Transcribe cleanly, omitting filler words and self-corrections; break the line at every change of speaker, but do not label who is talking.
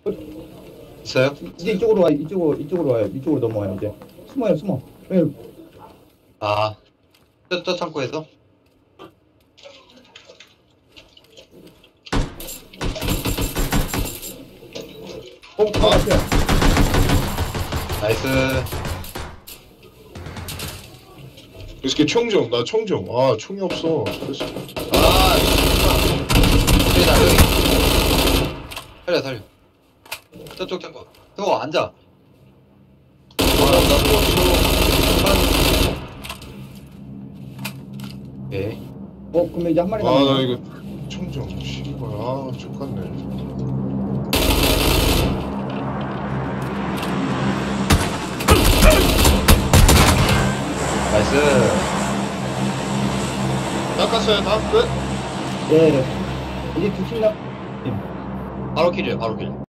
있어요?
이제 이쪽으로 와, 이쪽으로 와요. 이쪽으로 넘어와요, 이제. 숨어요, 숨어. 예,
아, 저 창고에서?
같아요.
나이스.
이렇게 총 좀, 나 총 좀. 아, 총이 없어. 그래서.
아, 여기다, 여기. 살려, 살려. 저쪽 창고. 저거 앉아.
아, 나도 없어.
오케이.
그러면 이제 한 마리
아, 나
남았네.
이거 총 좀. 씨발, 아, 족같네.
나이스.
낚았어요, 다 끝?
예. 이제 두팀 남.
바로 킬이에요, 바로 킬.